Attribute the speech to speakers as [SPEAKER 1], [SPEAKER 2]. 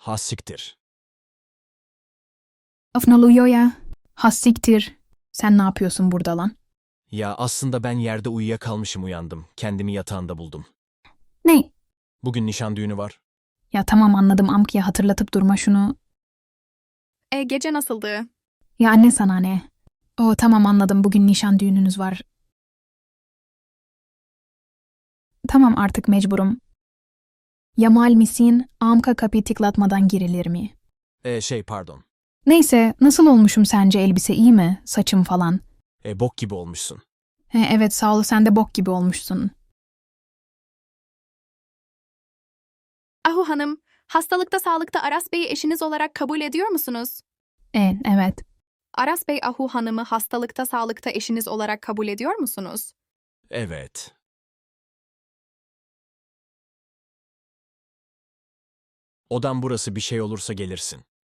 [SPEAKER 1] Ha siktir.
[SPEAKER 2] Of ne oluyor ya? Hassiktir. Sen ne yapıyorsun burada lan?
[SPEAKER 1] Ya aslında ben yerde uyuyakalmışım uyandım. Kendimi yatağında buldum.
[SPEAKER 2] Ne?
[SPEAKER 1] Bugün nişan düğünü var.
[SPEAKER 2] Ya tamam anladım Amki'ye hatırlatıp durma şunu.
[SPEAKER 3] Gece nasıldı?
[SPEAKER 2] Ya anne sana ne? O tamam anladım bugün nişan düğününüz var. Tamam artık mecburum. Yamal misin? Amka kapıyı tıklatmadan girilir mi?
[SPEAKER 1] Pardon.
[SPEAKER 2] Neyse nasıl olmuşum sence elbise iyi mi? Saçım falan.
[SPEAKER 1] Bok gibi olmuşsun.
[SPEAKER 2] Evet sağ ol sen de bok gibi olmuşsun.
[SPEAKER 3] Ahu Hanım, hastalıkta sağlıkta Aras Bey'i eşiniz olarak kabul ediyor musunuz?
[SPEAKER 2] Evet.
[SPEAKER 3] Aras Bey Ahu Hanım'ı hastalıkta sağlıkta eşiniz olarak kabul ediyor musunuz?
[SPEAKER 1] Evet. Odam burası, bir şey olursa gelirsin.